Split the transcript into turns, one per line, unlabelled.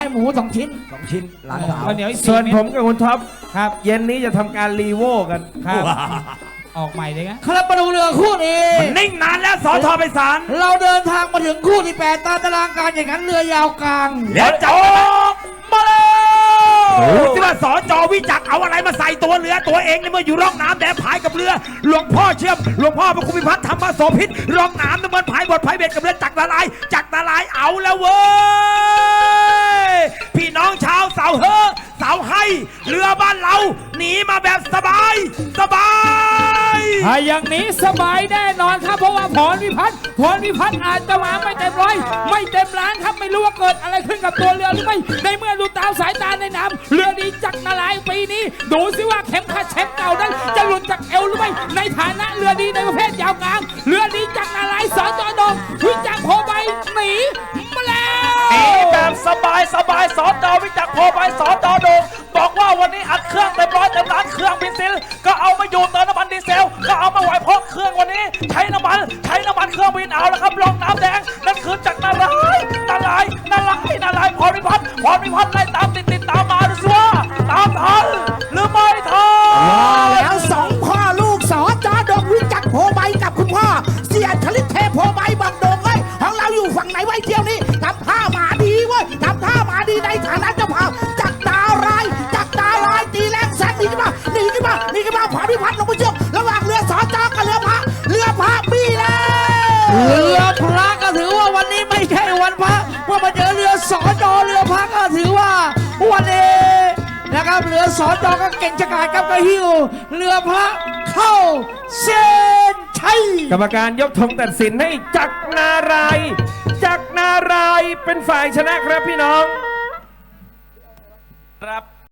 หมู2 ชิ้น
2 ชิ้นหลานสาว
ข้าวเหนียวอีก
ส่วน
4 เม็ด
ผมกับคุณท็อป
ครับ
เย็นนี้จะทำการรีโวกัน
ครับออกใหม่เลยนะครับมาดูเรือคู่นี้
มันนิ่งนานแล้วสอทอไปศาล
เราเดินทางมาถึงคู่ที่8ตามตารางการแข่งขันเรือยาวกลาง
แล้วจับมาเลยดูที่ว่าสอจอวิจักรเอาอะไรมาใส่ตัวเรือตัวเองในเมื่ออยู่ร่องน้ำแดงพายกับเรือหลวงพ่อเชื่อมหลวงพ่อพระคุณพิพัฒน์ธรรมโสภิตร่องน้ำน้ำมันพายบทพายเบ็ดกับเรือจักรลายจักรลายเอาแล้วเว้ยพี่น้องชาวเสาเฮอเสาให้เรือบ้านเราหนีมาแบบสบายสบาย
ถ้าอย่างนี้สบายแน่นอนครับเพราะว่าพรพิพัฒน์อาจจะมาไม่เต็มร้อยไม่เต็มล้านครับไม่รู้ว่าเกิดอะไรขึ้นกับตัวเรือหรือไม่ในเมื่อดูตามสายตาในน้ำเรือดีจักรนารายณ์ปีนี้ดูสิว่าเข็มขัดแชมป์เก่านั้นจะหลุดจากเอวหรือไม่ในฐานะเรือดีในประเภทยาวกลางเรือดีจักรนารายณ์สจดงวิจักรโพใบหนีมาแล้ว
หนีแบบสบายสอจอวิจักรโพไปสอจอโดงบอกว่าวันนี้อัดเครื่องเต็มร้อยเต็มล้านเครื่องบินซิลก็เอามาอยู่เติมน้ำมันดีเซลก็เอามาไหวเพราะเครื่องวันนี้ใช้น้ำมันเครื่องบินเอาแล้วครับลองน้ำแดงนั่นคือจักรนารายณ์พรพิพัฒน์ไล่ตามติดตามมาดูสิว่าตามทันหรือไม่ทัน
แล้ว2 พ่อลูกสอจอดงวิจักรโพใบกับคุณพ่อเสียชลิตเทพโพใบบอกโดงเอ้ยของเราอยู่ฝั่งไหนไว้เที่ยวนี้ทำท่ามาดีเว้ยทำท่ามาดีในฐานะเจ้าภาพจักรนารายณ์ตีแรงแซงหนีขึ้นมาพรพิพัฒน์ลงไปช่วยระหว่างเรือสอจอกับเรือพระบี้แล้ว
เรือพระก็ถือว่าวันนี้ไม่ใช่วันพระว่ามาเจอเรือสอจอเรือพระก็ถือว่าวันนี้นะครับเรือสอจอก็เก่งชะกาจกับกระหิวเรือพระเข้าเส้นชัย
กรรมการยกธงตัดสินให้จักรนารายณ์เป็นฝ่ายชนะครับพี่น้อง
ครับ